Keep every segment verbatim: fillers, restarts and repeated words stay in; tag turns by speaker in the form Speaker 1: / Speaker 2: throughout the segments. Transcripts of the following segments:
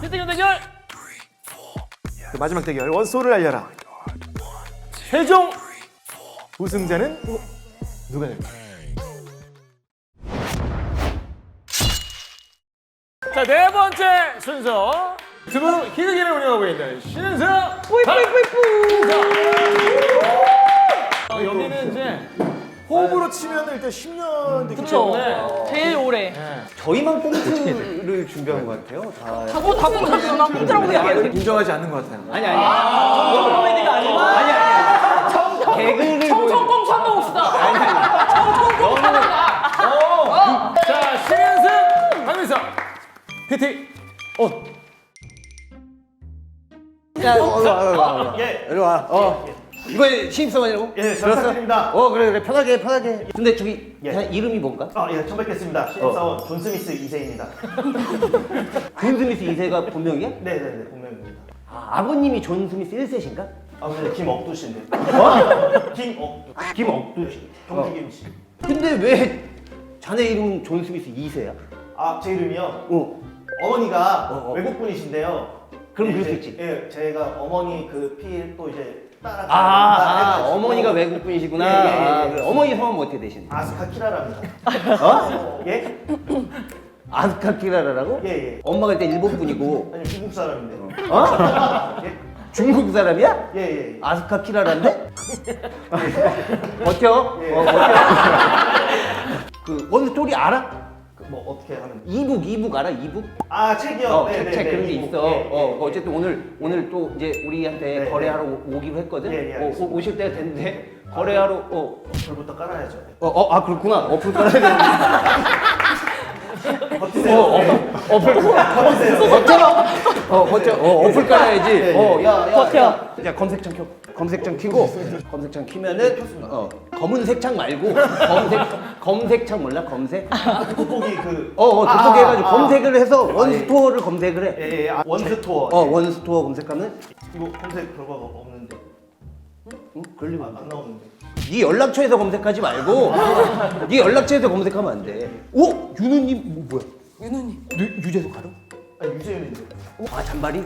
Speaker 1: 일 등 대결.
Speaker 2: 그 마지막 대결 원소를 알려라. 최종 우승자는 누가 될까? 자, 네 번째 순서 유튜브 희극인을 운영하고 있는 신은서.
Speaker 3: 뿌이뿌이뿌이뿌.
Speaker 2: 어, 여기는 이제 호흡으로 치면 일단 십 년 됐기
Speaker 3: 그쵸.
Speaker 2: 때문에
Speaker 3: 제일 오래.
Speaker 4: 저희만 꽁트를 준비한 것 같아요. 다.
Speaker 3: 다고 다고 나 나 꽁트라고 생각해.
Speaker 2: 인정하지 않는 것 같아요.
Speaker 4: 아니 아니. 아, 코미디가 아니고. 아니 아니. 청 개그를
Speaker 3: 청청꽁트 한번 봅시다.
Speaker 2: 자, 신은승 강민서 피티 온.
Speaker 4: 야, 어, 어, 어, 어.
Speaker 5: 예.
Speaker 4: 이리 와. 어. 이번에 신입사원이라고?
Speaker 5: 예, 잘 부탁드립니다.
Speaker 4: 어, 그래 그래 편하게 편하게. 근데 저기
Speaker 5: 예.
Speaker 4: 그냥 이름이 뭔가?
Speaker 5: 아, 예, 처음 뵙겠습니다. 신입사원 존 스미스 이 세입니다.
Speaker 4: 존 스미스 이 세가 본명이야?
Speaker 5: 네네네, 본명입니다.
Speaker 4: 아, 아버님이 존 스미스 일 세신가?
Speaker 5: 아, 근데 김억두씨인데. 어? 김억두.
Speaker 4: 김억두 씨.
Speaker 5: 경주김 씨.
Speaker 4: 근데 왜 자네 이름은 존 스미스 이 세야?
Speaker 5: 아, 제 이름이요?
Speaker 4: 어.
Speaker 5: 어머니가
Speaker 4: 어, 어.
Speaker 5: 외국분이신데요.
Speaker 4: 그럼
Speaker 5: 예,
Speaker 4: 그럴 수
Speaker 5: 이제,
Speaker 4: 있지.
Speaker 5: 예, 제가 어머니 그 피 또 이제 따라.
Speaker 4: 아, 아
Speaker 5: 해가지고.
Speaker 4: 어머니가 외국 분이시구나.
Speaker 5: 예, 예, 예,
Speaker 4: 아,
Speaker 5: 예.
Speaker 4: 그래. 어머니 성함 어떻게 되시는데?
Speaker 5: 아스카 키라랍니다.
Speaker 4: 어?
Speaker 5: 예?
Speaker 4: 아스카 키라라라고?
Speaker 5: 예, 예.
Speaker 4: 엄마가 일단 일본 분이고.
Speaker 5: 아니, 중국 사람인데.
Speaker 4: 어?
Speaker 5: 예?
Speaker 4: 중국 사람이야?
Speaker 5: 예, 예.
Speaker 4: 아스카 키라란데? 버텨?
Speaker 5: 예.
Speaker 4: 어, 버텨. 그 원스토리 알아?
Speaker 5: 그 뭐 어떻게 하면?
Speaker 4: 이북 이북 알아? 이북?
Speaker 5: 아, 책이요?
Speaker 4: 어,
Speaker 5: 네,
Speaker 4: 책,
Speaker 5: 네,
Speaker 4: 책
Speaker 5: 네,
Speaker 4: 그런 게
Speaker 5: 이북.
Speaker 4: 있어.
Speaker 5: 예,
Speaker 4: 어,
Speaker 5: 예,
Speaker 4: 어쨌든 오늘 오늘 또 이제 우리한테
Speaker 5: 네,
Speaker 4: 거래하러
Speaker 5: 네.
Speaker 4: 오- 오기로 했거든.
Speaker 5: 예, 예,
Speaker 4: 어,
Speaker 5: 알겠습니다.
Speaker 4: 오, 오실 때가 됐는데 거래하러 어,
Speaker 5: 불부터 깔아야죠.
Speaker 4: 어, 어, 아 그렇구나. 어플 깔아야 되는데.
Speaker 5: 버티세요.
Speaker 4: 어,
Speaker 5: 네.
Speaker 4: 어, 어플
Speaker 5: 버티세요.
Speaker 4: 버텨. 어, 버텨. 어, 어플 깔아야지.
Speaker 5: 네,
Speaker 4: 어, 야, 야,
Speaker 3: 버텨.
Speaker 4: 야, 야, 검색창 켜. 검색창 켜고 검색창 키면은 어, 검은색 창 말고 검색 검색창 몰라? 검색?
Speaker 5: 돋보기 그.
Speaker 4: 어, 어,
Speaker 5: 아,
Speaker 4: 돋보기 해가지고
Speaker 5: 아,
Speaker 4: 검색을 해서
Speaker 5: 아,
Speaker 4: 원스토어를 검색을 해.
Speaker 5: 예, 예, 아, 원스토어.
Speaker 4: 어, 원스토어 검색하면
Speaker 5: 이거 검색 결과가 없는데.
Speaker 4: 응? 그럴 리가
Speaker 5: 아,
Speaker 4: 없네.
Speaker 5: 안 나오는데.
Speaker 4: 네 연락처에서 검색하지 말고 네 연락처에서 검색하면 안 돼. 오, 윤우님 뭐, 뭐야?
Speaker 3: 윤우님.
Speaker 4: 유, 유재석 알아?
Speaker 5: 아, 유재윤인데.
Speaker 4: 아 잔바리?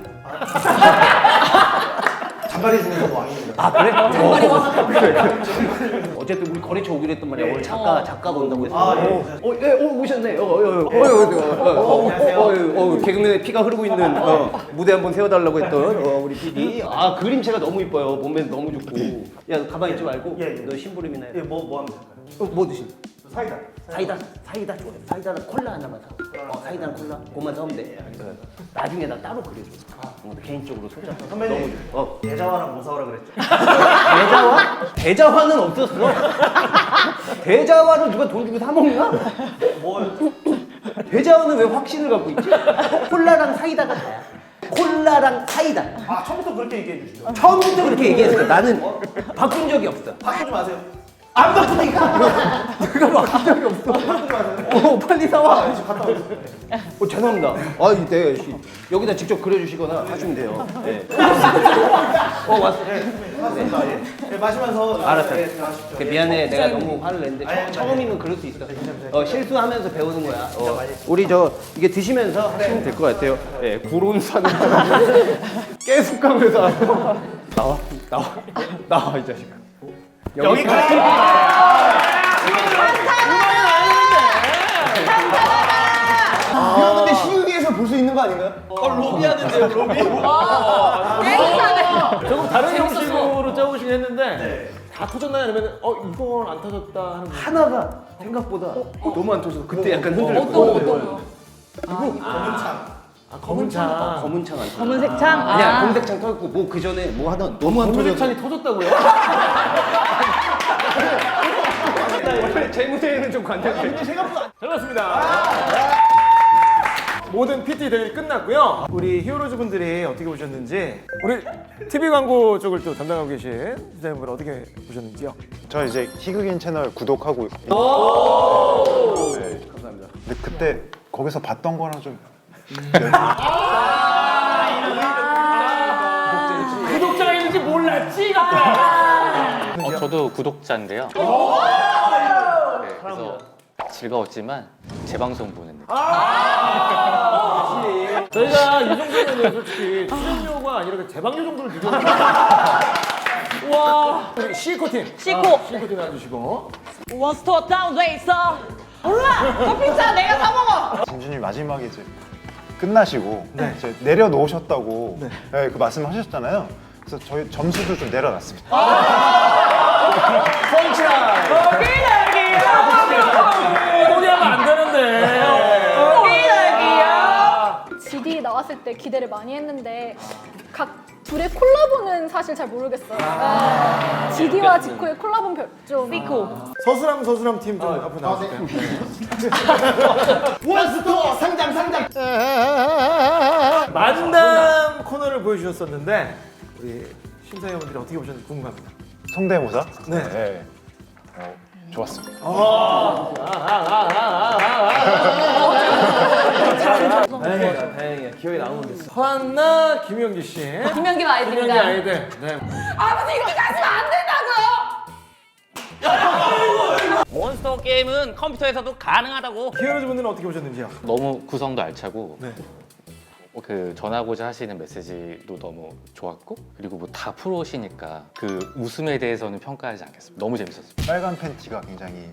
Speaker 5: 잔바리 중에서 왕입니다.
Speaker 4: 아 그래? 어, 그래, 그래. 어쨌든 우리 거래처 오기로 했단 말이야.
Speaker 5: 예.
Speaker 4: 오늘 작가 작가가 온다고 했어.
Speaker 5: 아, 예.
Speaker 4: 어, 예, 어, 오셨네. 어, 어, 어, 어, 어, 어, 어,
Speaker 5: 안녕하세요.
Speaker 4: 어, 어, 어, 개그맨의 피가 흐르고 있는 어, 무대 한번 세워달라고 했던 어, 우리 피디. 아 그림체가 너무 이뻐요. 몸매 너무 좋고. 야, 너 가만히 있지 말고.
Speaker 5: 예, 예.
Speaker 4: 너 심부름이나 해.
Speaker 5: 예, 뭐, 뭐 하면 될까요?
Speaker 4: 어, 뭐 드실?
Speaker 5: 사이다.
Speaker 4: 사이다, 사이다 좋아해. 사이다랑 콜라 하나만 사. 어, 사이다랑 콜라. 그것만 사면 돼. 어. 나중에 나 따로 그려줘. 어, 개인적으로 소장.
Speaker 5: 선배님,
Speaker 4: 어.
Speaker 5: 대자화랑 뭐 사오라 그랬죠?
Speaker 4: 대자화? 대자화는 없었어. 대자화를 누가 돈 주고 사 먹나?
Speaker 5: 뭐,
Speaker 4: 대자화는 왜 확신을 갖고 있지? 콜라랑 사이다가 다야. 콜라랑 사이다.
Speaker 5: 아, 처음부터 그렇게 얘기해 주시죠.
Speaker 4: 처음부터 그렇게 얘기했어. 나는 바꾼 적이 없어.
Speaker 5: 바꾸지 마세요.
Speaker 4: 안 바꾸니까. 내가 바꾼 적이 없어.
Speaker 5: 바꾸지 마세요.
Speaker 4: 어, 빨리 사와.
Speaker 5: 아, 지금 갔다 오겠습니다.
Speaker 4: 어, 죄송합니다. 아, 이때 여기다 직접 그려주시거나 하시면 돼요. 네. 어, 왔어.
Speaker 5: 네, 맞습니다. 예. 예, 마시면서.
Speaker 4: 알았어.
Speaker 5: 예, 들어가십시오.
Speaker 4: 그
Speaker 5: 예.
Speaker 4: 미안해, 내가 너무 화를 냈는데
Speaker 5: 아니, 아니,
Speaker 4: 처, 처음이면 그럴 수 있어.
Speaker 5: 괜찮아요.
Speaker 4: 어, 실수하면서 배우는 거야. 어.
Speaker 5: 많이
Speaker 4: 우리 저 이게 드시면서 하시면 될 것 같아요. 예, 구론 사는 깨숙감에서 나와, 나와, 나와 이 자식아.
Speaker 5: 여기까지.
Speaker 4: 이거 근데 희극에서 볼 수 있는 거 아닌가요?
Speaker 1: 어, 로비 하는데요, 로비. 조금 다른 형식으로 짜오시긴 했는데 다 터졌나요? 아니면 어 이건 안 터졌다 하는 거.
Speaker 4: 하나가 생각보다 너무 안 터져서 그때 약간
Speaker 3: 어떤 거
Speaker 4: 흔들렸거든.
Speaker 3: 어떤 거?
Speaker 5: 검은창.
Speaker 1: 아, 검은 창.
Speaker 4: 검은 창 안 터져.
Speaker 3: 검은색 창?
Speaker 4: 아니야,
Speaker 3: 아.
Speaker 4: 검은색 창 터졌고 뭐 그 전에 뭐 하다 너무 안
Speaker 1: 검은
Speaker 4: 터져서.
Speaker 1: 창이 터졌다고요?
Speaker 4: 원래 제 무대에는 좀 관대한데.
Speaker 1: 생각보다 잘 봤습니다. 모든 피티 대결이 끝났고요. 우리 히어로즈 분들이 어떻게 보셨는지, 우리 티비 광고 쪽을 또 담당하고 계신 디자이너분 어떻게 보셨는지요?
Speaker 6: 저 이제 희극인 채널 구독하고 네. 감사합니다. 근데 그때 거기서 봤던 거랑 좀
Speaker 1: 구독자가 있는지 몰랐지? 이것들아.
Speaker 7: 어, 저도 구독자인데요. 네, 그래서 즐거웠지만 재방송 보는 느낌.
Speaker 2: 저희가 이 정도면 솔직히 출연료가 아니라 그 제방료 정도를 드렸는데. 와, 우리 시코 팀.
Speaker 3: 시코.
Speaker 2: 아, 시코 팀 놔주시고.
Speaker 3: 원스톱 다운 돼 있어. 몰라. 그 피자 내가 사 먹어.
Speaker 6: 진주님 마지막에 이제 끝나시고 이제 내려놓으셨다고 네, 그 말씀하셨잖아요. 그래서 저희 점수도 좀 내려놨습니다.
Speaker 2: 포기하면 안 되는데.
Speaker 8: 지디 나왔을 때 기대를 많이 했는데 각 둘의 콜라보는 사실 잘 모르겠어요. 아, 지디와 지코의 콜라보는 별- 좀
Speaker 3: 시코.
Speaker 1: 서수람 서수람 팀 좀 앞으로 나와주세요.
Speaker 5: 원스토어 상장 상장.
Speaker 1: 만담 코너를 보여주셨었는데 우리 심사위원분들이 어떻게 보셨는지 궁금합니다.
Speaker 6: 성대모사?
Speaker 1: 네.
Speaker 6: 어, 좋았습니다.
Speaker 4: 다행이야, 다행이야. 기억에 남으면 됐어.
Speaker 2: 허한나, 김영기 씨.
Speaker 3: 김연기
Speaker 2: 김영기
Speaker 3: 아이들입니다.
Speaker 2: 아이들. 네.
Speaker 3: 아버지 이렇게 하시면 안 된다고요.
Speaker 7: 몬스터 게임은 컴퓨터에서도 가능하다고.
Speaker 1: 히어로즈 분들은 어떻게 보셨는지요?
Speaker 7: 너무 구성도 알차고
Speaker 1: 네.
Speaker 7: 그 전하고자 하시는 메시지도 너무 좋았고 그리고 뭐 다 프로시니까 그 웃음에 대해서는 평가하지 않겠습니다. 너무 재밌었어요.
Speaker 6: 빨간 팬티가 굉장히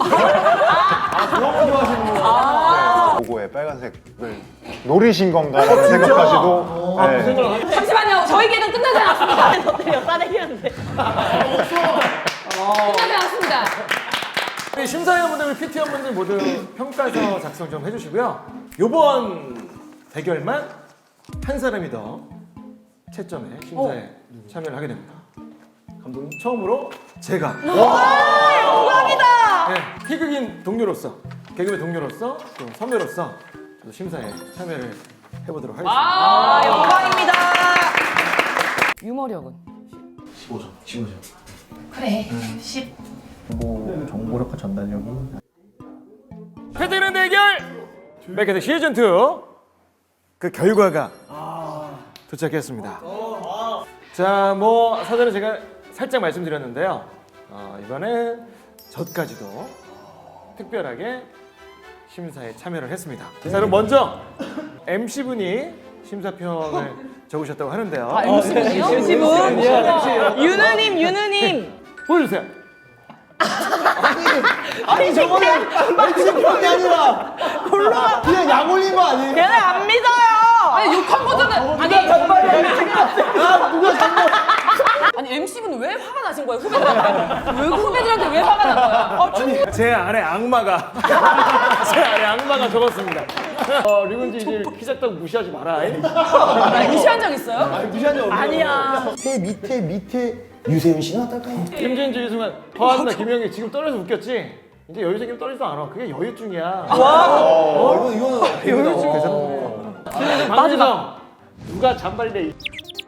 Speaker 3: 아.
Speaker 6: 로고에 빨간색을 노리신 건가라는 생각까지도 네.
Speaker 3: 잠시만요. 저희 계획은 끝나지 않았습니다. 어때요? 싸대기였는데. 끝나지 않았습니다.
Speaker 2: 우리 심사위원분들, 우리 피티원분들 모두 평가서 작성 좀 해주시고요. 요번 대결만 한 사람이 더 채점에 심사에 참여를 하게 됩니다. 감독님 처음으로 제가
Speaker 3: 와, 영광이다.
Speaker 2: 네, 희극인 동료로서 개그맨 동료로서 또 선배로서 저도 심사에 참여를 해보도록 하겠습니다.
Speaker 3: 아, 영광입니다. 유머력은?
Speaker 5: 십오 점. 십오 점.
Speaker 3: 그래. 십.
Speaker 5: 정보력과 전달력이.
Speaker 2: 패드는 대결 맥헤드 시즌 투 그 결과가 도착했습니다. 자, 뭐 사전에 제가 살짝 말씀드렸는데요. 어, 이번엔 저까지도 특별하게 심사에 참여를 했습니다. 자, 그럼 먼저 엠씨분이 심사평을 적으셨다고 하는데요.
Speaker 3: 아, 엠씨분이요? 엠씨분? 유느님, 유느님.
Speaker 2: 보여주세요.
Speaker 5: 아니 저거는 엠씨평이 아니라 골라 그냥 약 올린 거 아니에요?
Speaker 3: 걔네 안 믿어요. 아니, 욕한 거잖아요. 아니,
Speaker 5: 아 누가 장난?
Speaker 3: 아니, 엠씨분은 왜 화가 나신 거예요? 후배들한테. 왜 후배들한테 왜 화가 난 거야? 아, 충분히.
Speaker 2: 제 안에 악마가 제 안에 악마가 적었습니다. 어, 류근지 이제 키 작다고 무시하지 마라.
Speaker 3: 나 무시한 적 있어요?
Speaker 5: 아니 무시한 적 없는
Speaker 3: 아니야.
Speaker 5: 밑에 밑에 밑에 유세윤 씨는 어떨까요?
Speaker 2: 김진주 이승환 허한나 김영희 지금 떨어져 웃겼지? 이제 여유 생기면 떨리지도 않아. 그게 여유증이야.
Speaker 5: 어 이거 이거는
Speaker 2: 여유증 계산. 박지성 누가 잔발이래. 이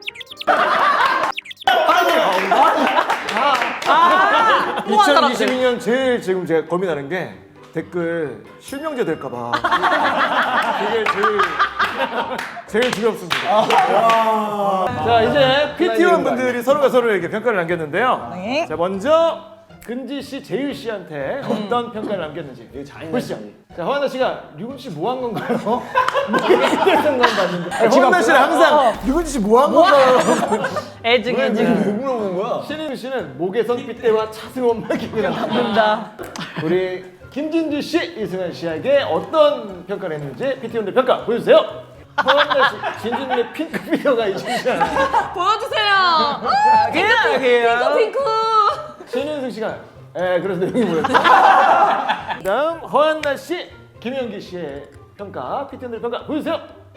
Speaker 2: 이천이십이 년 제일 지금 제가 고민하는 게 댓글 실명제 될까봐. 그게 제일 제일 두렵습니다. 자, 이제 피티원 분들이 서로가 서로에게 평가를 남겼는데요.
Speaker 3: 네.
Speaker 2: 자, 먼저 근지 씨, 재율 씨한테 어떤 평가를 남겼는지 보시죠. 자, 허한나 씨가 류근 씨 뭐 한 건가요? 뭐 했던 건 봤는데. 아니, 허한나 씨는 항상 류근 씨 뭐 한 건가요?
Speaker 3: 애증, 애증.
Speaker 5: 뭐 물어보는 거야?
Speaker 2: 신인 씨는 목에선 핏대와 차승원만 기억이 납니다. 우리 김진주 씨, 이승환 씨에게 어떤 평가를 했는지 피티원들 평가 보여주세요. 허한나 씨, 진주님의 핑크 피겨가 있으시지 않아요?
Speaker 3: 보여주세요. 아, 핑크, 핑크, 핑크.
Speaker 2: 신윤승 씨가 에 그래서 내용이 뭐였죠? 다음 허한나 씨, 김영기 씨의 평가, 피티원들 평가 보여주세요.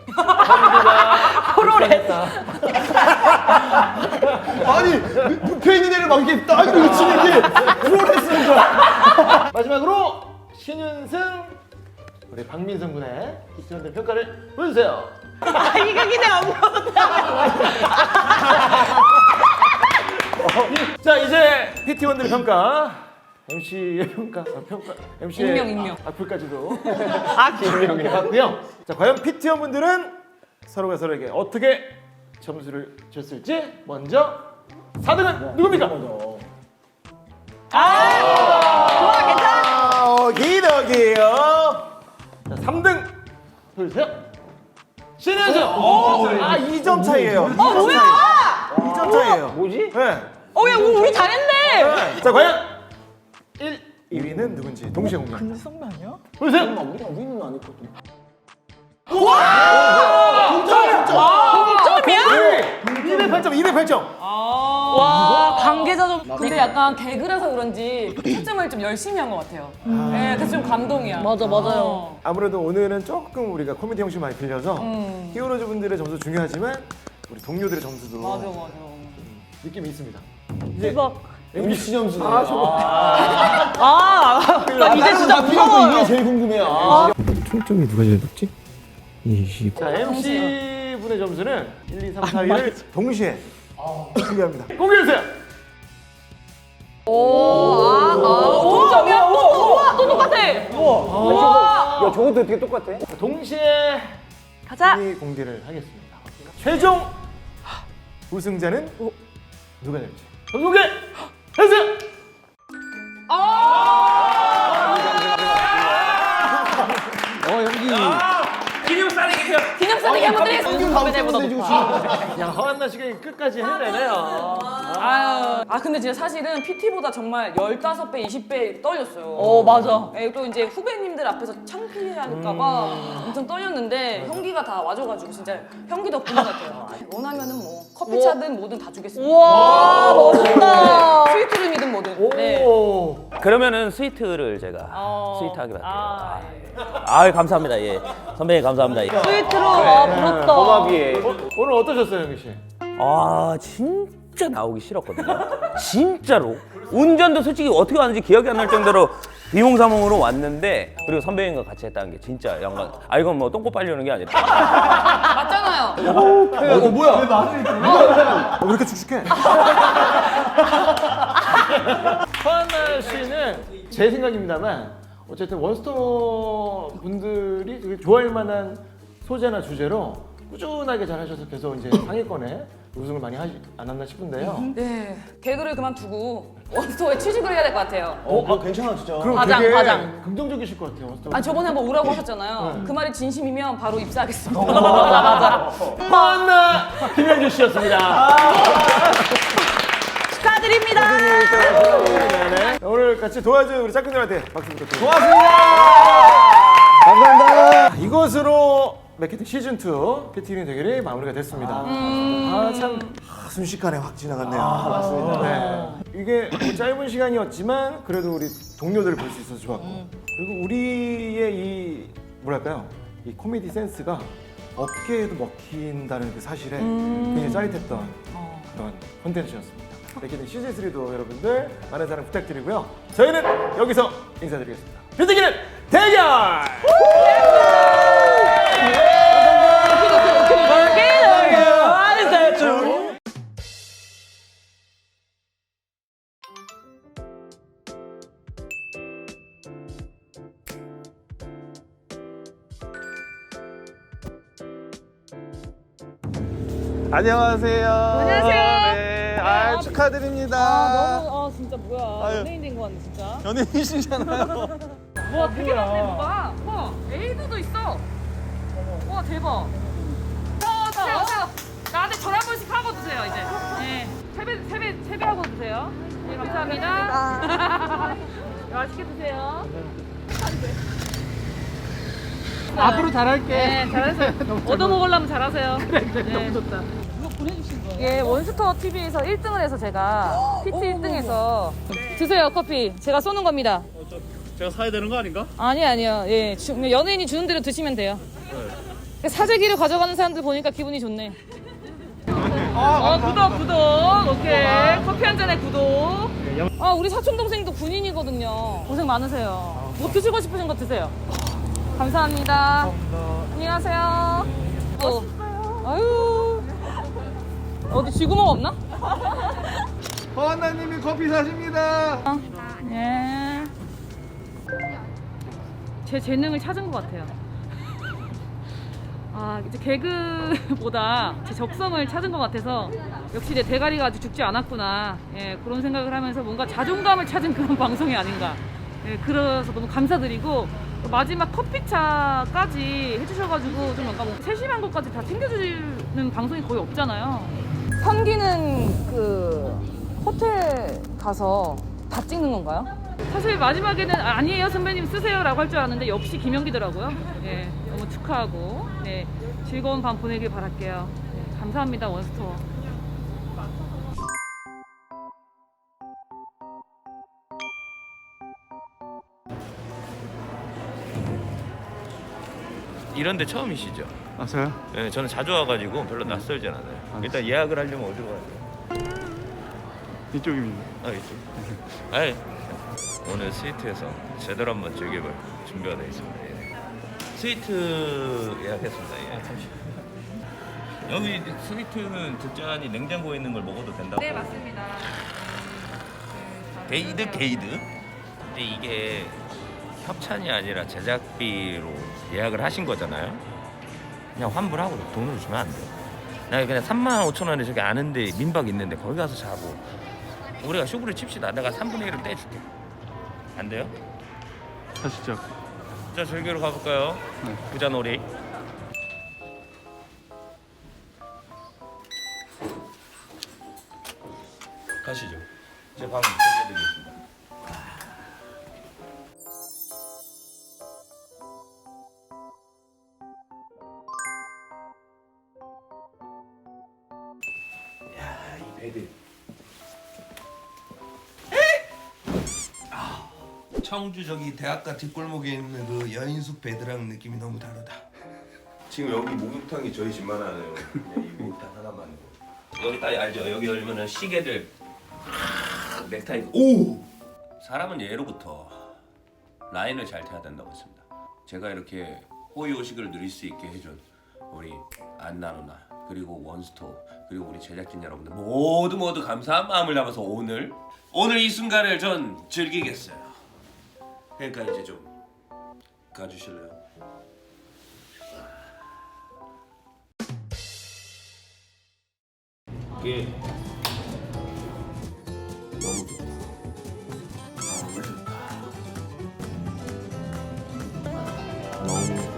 Speaker 3: 프로레스.
Speaker 5: 아니 눕혀 있는 애를 막 이렇게 딱 이렇게 치는 게 프로레슬인 거야.
Speaker 2: 마지막으로 신윤승, 우리 박민성 군의 피티원들 평가를 보여주세요.
Speaker 3: 아, 이거 기대 안
Speaker 2: 자, 이제 피티원들 평가, 엠씨의 평가, 아, 평가, 엠씨의
Speaker 3: 익명, 익명.
Speaker 2: 악플까지도 익명이 해봤고요. 자, 과연 피티원 분들은 서로가 서로에게 어떻게 점수를 줬을지 먼저 사 등은 누굽니까?
Speaker 3: 좋아, 괜찮아.
Speaker 1: 어, 기덕이요.
Speaker 2: 자, 삼 등 보여주세요. 신현수. 아, 이 점 차이예요.
Speaker 3: 어 뭐야?
Speaker 2: 이 점 차이예요.
Speaker 4: 뭐지?
Speaker 2: 네.
Speaker 3: 어야 우리, 우리 잘했네.
Speaker 2: 네. 자, 과연 일, 이 위는 누군지 동시에 공개합니다.
Speaker 5: 근데 선배 아니야?
Speaker 2: 보세요.
Speaker 4: 우리가 우리는 안 했거든.
Speaker 3: 점이야?
Speaker 2: 이백팔 점, 이백팔 점.
Speaker 3: 와 관계자 좀. 근데 약간 개그라서 그런지 초점을 좀 열심히 한 것 같아요. 네, 그래서 좀 감동이야. 맞아 맞아요.
Speaker 2: 아무래도 오늘은 조금 우리가 코미디 형식 많이 빌려서 히어로즈 분들의 점수 중요하지만 우리 동료들의 점수도
Speaker 3: 맞아 맞아.
Speaker 2: 느낌이 있습니다.
Speaker 3: 대박.
Speaker 4: 엠비씨 점수.
Speaker 3: 아, 나 이제 진짜 무서워요.
Speaker 5: 이게 제일 궁금해. 아.
Speaker 1: 총점이 누가 제일 높지? 이십.
Speaker 2: 자, 엠씨 분의 점수는 일, 이, 삼, 사 위를 동시에 공개합니다. 공개해주세요.
Speaker 3: 오, 아, 아, 동점이야? 우와, 또 똑같아. 우와.
Speaker 4: 야 저것도 어떻게 똑같아?
Speaker 2: 동시에
Speaker 3: 가자.
Speaker 2: 순위 공개를 하겠습니다. 최종 우승자는 누가 될지 공개 해주세요.
Speaker 4: 어 연기.
Speaker 3: 기념 싸대기 한번 드리겠습니다. 선배들보다 높아.
Speaker 2: 야, 허한나 씨가 끝까지 해내네요.
Speaker 3: 아유, 아 근데 진짜 사실은 피티보다 정말 십오 배, 이십 배 떨렸어요. 어, 맞아. 예, 또 이제 후배님들 앞에서 창피할까봐 엄청 떨렸는데 형기가 다 와줘가지고 진짜 형기 덕분 같아요. 원하면은 뭐 커피 차든 뭐든 다 주겠습니다. 우와, 멋있다. 스위트룸이든 뭐든. 네.
Speaker 2: 오.
Speaker 9: 그러면은 스위트를 제가
Speaker 3: 어.
Speaker 9: 스위트하게 할게요.
Speaker 3: 아,
Speaker 9: 아, 감사합니다. 예. 선배님 감사합니다. 예.
Speaker 3: 스위트룸, 아, 부럽다.
Speaker 4: 고마비에.
Speaker 2: 오늘 어떠셨어요, 형기 씨?
Speaker 9: 아, 진짜 나오기 싫었거든요. 진짜로. 운전도 솔직히 어떻게 왔는지 기억이 안 날 정도로 비몽사몽으로 왔는데 그리고 선배님과 같이 했다는 게 진짜 영광. 아, 이건 뭐 똥꼬 빨려는 게 아니라.
Speaker 3: 맞잖아요.
Speaker 2: 어, 뭐야? 왜 말을 어, 왜 이렇게 축축해? 허한나 씨는 제 생각입니다만 어쨌든 원스톱 분들이 되게 좋아할 만한 소재나 주제로 꾸준하게 잘 하셔서 계속 이제 상위권에 우승을 많이 하지 않았나 싶은데요.
Speaker 3: 네, 개그를 그만두고 원스토어에 취직을 해야 될 것 같아요.
Speaker 5: 어, 아, 괜찮아 진짜.
Speaker 2: 그럼
Speaker 3: 과장,
Speaker 2: 되게
Speaker 3: 과장.
Speaker 2: 긍정적이실 것 같아요. 원스톱.
Speaker 3: 아 저번에 한번 오라고 하셨잖아요. 그 말이 진심이면 바로 입사하겠습니다.
Speaker 2: 어.
Speaker 3: 맞아 맞아.
Speaker 2: 허한나 김현주 씨였습니다.
Speaker 3: 축하드립니다.
Speaker 2: 네. 오늘 같이 도와준 우리 짝꿍들한테 박수 부탁드립니다.
Speaker 5: 감사합니다.
Speaker 2: 이것으로 맥키트 시즌 투 피티윈 대결이 마무리가 됐습니다. 아, 참 아, 순식간에 확 지나갔네요. 아, 맞습니다. 네. 이게 뭐 짧은 시간이었지만 그래도 우리 동료들을 볼 수 있어서 좋았고 그리고 우리의 이 뭐랄까요 이 코미디 센스가 업계에도 먹힌다는 그 사실에 굉장히 짜릿했던 그런 콘텐츠였습니다. 맥키트 시즌 쓰리도 여러분들 많은 사랑 부탁드리고요. 저희는 여기서 인사드리겠습니다. 피티기는 대결!
Speaker 6: 안녕하세요.
Speaker 3: 안녕하세요.
Speaker 6: 네, 아, 축하드립니다.
Speaker 3: 아 진짜 뭐야
Speaker 6: 아유.
Speaker 3: 연예인 된 거 같네 진짜.
Speaker 6: 연예인이시잖아요.
Speaker 3: 와 되게 많네 뭐가. 와 에이드도 있어. 와 대박. 저 주세요 주세요. 나한테 전화 한 번씩 하고 주세요 이제. 네 세배 세배 세배하고 주세요. 네 감사합니다. 맛있게 드세요.
Speaker 2: 앞으로 잘할게.
Speaker 3: 네 잘하세요. 얻어 먹으려면 잘하세요. 그래 그래 너무 좋다. 이거 보내주신 거예요? 예 원스토어 티비에서 일 등을 해서 제가 피티 일 등해서 드세요 커피 제가 쏘는 겁니다.
Speaker 6: 제가 사야 되는 거 아닌가?
Speaker 3: 아니 아니요. 예, 주, 연예인이 주는 대로 드시면 돼요. 사재기를 가져가는 사람들 보니까 기분이 좋네. 어, 구독 구독. 오케이. 커피 한 잔에 구독. 아 우리 사촌 동생도 군인이거든요. 고생 많으세요. 뭐 드시고 싶으신 거 드세요. 감사합니다. 안녕하세요. 어. 아유. 어디 쥐구멍 없나?
Speaker 6: 허한나님이 커피 사십니다.
Speaker 3: 예. 제 재능을 찾은 것 같아요. 아 이제 개그보다 제 적성을 찾은 것 같아서 역시 내 대가리가 아직 죽지 않았구나. 예, 그런 생각을 하면서 뭔가 자존감을 찾은 그런 방송이 아닌가. 예, 그래서 너무 감사드리고 마지막 커피차까지 해주셔가지고 좀 약간 뭐 세심한 것까지 다 챙겨주는 방송이 거의 없잖아요. 현기는 그 호텔 가서 다 찍는 건가요? 사실 마지막에는 아, 아니에요 선배님 쓰세요라고 할 줄 알았는데 역시 김현기더라고요. 예, 너무 축하하고 네, 즐거운 밤 보내길 바랄게요. 네, 감사합니다 원스토어.
Speaker 10: 이런 데 처음이시죠?
Speaker 6: 아 저요?
Speaker 10: 네, 저는 자주 와가지고 별로 낯설진 않아요. 일단 예약을 하려면 어디로 가야 돼요?
Speaker 6: 이쪽입니다.
Speaker 10: 아, 이쪽. 아이, 오늘 스위트에서 제대로 한번 즐겨볼 준비가 되어 있습니다. 예. 스위트 예약했습니다. 예. 여기 스위트는 듣자 하니 냉장고에 있는 걸 먹어도 된다고?
Speaker 3: 네 맞습니다.
Speaker 10: 게이드 게이드? 근데 이게 협찬이 아니라 제작비로 예약을 하신 거잖아요. 그냥 환불하고 돈을 주면 안 돼요. 나 그냥 삼만 오천 원에 저기 아는데 민박 있는데 거기 가서 자고 우리가 쇼부를 칩시다. 내가 삼분의 일을 떼줄게. 안 돼요?
Speaker 6: 가시죠.
Speaker 10: 자 즐기러 가볼까요?
Speaker 6: 네.
Speaker 10: 부자놀이. 가시죠. 제 방 소개해드리겠습니다. 야, 이 베드.
Speaker 11: 청주 저기 대학가 뒷골목에 있는 그 여인숙 베드랑 느낌이 너무 다르다.
Speaker 10: 지금 여기 목욕탕이 저희 집만 하네요. 그냥 이 목욕탕 하나만. 여기 딱 알죠? 여기 열면은 시계들 넥타이. 오! 사람은 예로부터 라인을 잘 타야 된다고 했습니다. 제가 이렇게 호의호식을 누릴 수 있게 해준 우리 안나 누나 그리고 원스토어 그리고 우리 제작진 여러분들 모두 모두 감사한 마음을 담아서 오늘 오늘 이 순간을 전 즐기겠어요. 그러니까 이제 좀 가주실래요? 이게 너무 좋다. 너무 좋다. 너무